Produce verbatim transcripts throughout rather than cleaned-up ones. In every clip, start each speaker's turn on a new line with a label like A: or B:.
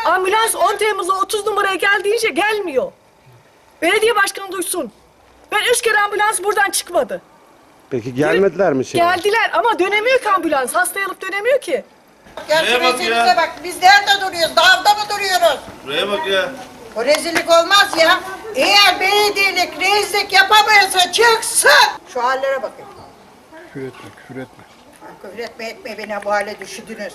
A: Ambulans on Temmuz'a otuz numaraya gel deyince gelmiyor. Belediye başkanı duysun. Ben üç kere ambulans buradan çıkmadı.
B: Peki gelmediler mi şey?
A: Geldiler ama dönemiyor ki ambulans. Hastayı alıp dönemiyor ki.
C: Gel şu
D: Neye bak
C: rezilliğe
D: ya?
C: bak. Biz nerede duruyoruz? Dağda mı duruyoruz?
D: Buraya bak ya.
C: O rezillik olmaz ya. Eğer belediyelik rezillik yapamıyorsa çıksın. Şu hallere bakın.
E: Küfür etme, küfür etme.
C: Küfür etme etme beni bu hale düşürdünüz.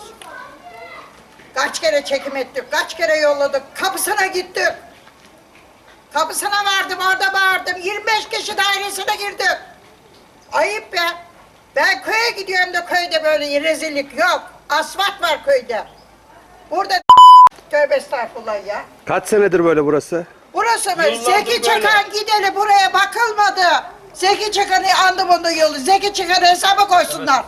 C: Kaç kere çekim ettik, kaç kere yolladık. Kapısına gittik. Kapısına vardım, orada bağırdım. yirmi beş kişi dairesine girdim. Ayıp be. Ben köye gidiyorum da köyde böyle rezillik yok. Asfalt var köyde. Burada tövbe estağfurullah ya.
B: Kaç senedir böyle burası?
C: Burası mı?
D: Yıllardır
C: Zeki
D: böyle.
C: Çakan gideli buraya bakılmadı. Zeki Çakan'ı andı bunun yolu. Zeki Çakan'ı hesaba koysunlar.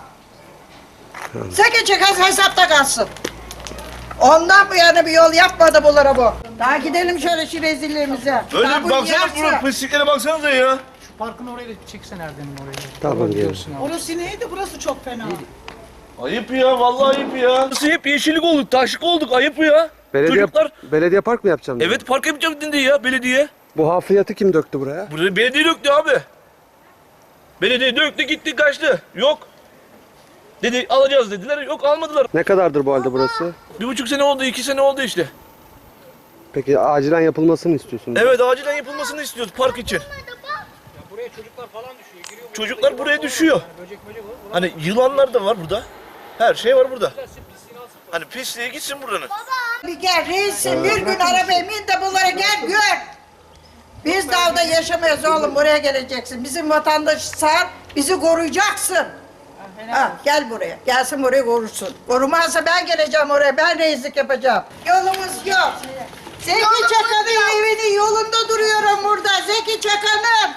C: Zeki Çakan hesapta kalsın. Ondan bu yana bir yol yapmadı bunlara bu. Daha gidelim şöyle şu rezilliğimize.
D: Öyle
C: Daha
D: bir
C: bu
D: baksana
C: yerse-
D: buraya pisliklere baksanıza ya.
F: Şu parkın oraya da çeksen Erdem'in oraya.
B: Tamam,
F: Gidiyorsun abi.
A: Orası neydi? Burası çok fena.
D: Ayıp ya, vallahi ayıp ya. Nasıl hep yeşillik olduk, taşlık olduk, ayıp ya.
B: Belediye,
D: Çocuklar,
B: belediye park mı yapacağım? dedi?
D: evet park yapacağım dedi ya belediye.
B: Bu hafriyatı kim döktü buraya?
D: Buraya belediye döktü abi. Belediye döktü gitti kaçtı. Yok. Dedi alacağız dediler, yok almadılar.
B: Ne kadardır bu halde burası?
D: Bir buçuk sene oldu, iki sene oldu işte.
B: Peki acilen yapılmasını istiyorsunuz?
D: Evet acilen yapılmasını istiyoruz park için.
F: Buraya çocuklar falan düşüyor. Giriyor.
D: Çocuklar buraya düşüyor.
F: Böcek böcek olur.
D: Hani yılanlar da var burada. Her şey var burada. Hani pisliğe gitsin buranın.
C: Bir gel reisim bir gün arabaya bin de bunlara gel gör. Biz dağda yaşamıyoruz oğlum buraya geleceksin. Bizim vatandaş sağ bizi koruyacaksın. Ha, gel buraya. Gelsin buraya korusun. Korumazsa ben geleceğim oraya. Ben reislik yapacağım. Yolumuz yok. Zeki Çakan'ın evinin yolunda duruyorum burada. Zeki Çakan'ın.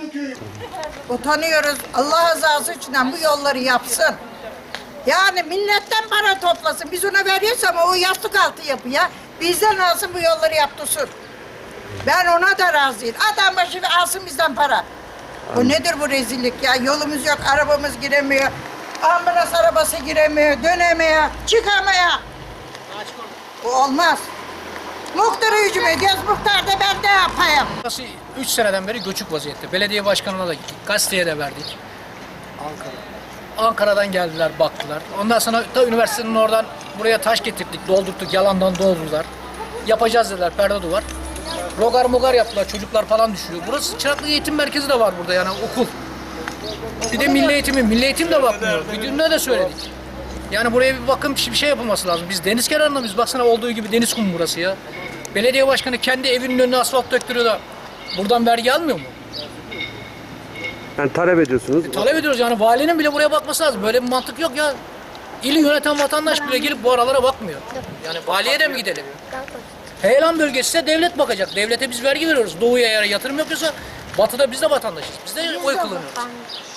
C: Utanıyoruz. Allah rızası için bu yolları yapsın. Yani milletten para toplasın. Biz ona veriyoruz ama o yastık altı yapıyor. Bizden alsın bu yolları yaptırsın. Ben ona da razıyım. Adam başı ve alsın bizden para. Bu nedir bu rezillik ya? Yolumuz yok, arabamız giremiyor. Ambulans arabası giremiyor, dönemiyor, çıkamıyor. Bu olmaz. Muhtarı hücum ediyoruz, muhtar da ben ne yapayım?
F: Burası üç seneden beri göçük vaziyette. Belediye başkanına da gittik. Gazeteye de verdik. Ankara. Ankara'dan geldiler, baktılar. Ondan sonra da üniversitenin oradan buraya taş getirdik, doldurttuk. Yalandan doldurdular. Yapacağız dediler, perde duvar. Rogar mogar yaptılar, çocuklar falan düşüyor. Burası Çıraklık Eğitim Merkezi de var burada yani okul. Bir de milli eğitimi, milli eğitim de bakmıyor. Müdürüne de söyledik. Yani buraya bir bakım bir şey yapılması lazım. Biz deniz kenarında biz baksana olduğu gibi deniz kumu burası ya. Belediye başkanı kendi evinin önüne asfalt döktürüyor da buradan vergi almıyor mu?
B: Yani talep ediyorsunuz.
F: Talep ediyoruz yani valinin bile buraya bakması lazım. Böyle bir mantık yok ya. İli yöneten vatandaş bile gelip bu aralara bakmıyor. Yani valiye de mi gidelim? Heyelan bölgesi ise devlet bakacak. Devlete biz vergi veriyoruz. Doğuya eğer yatırım yapıyorsa batıda biz de vatandaşız. Biz de oy kullanıyoruz.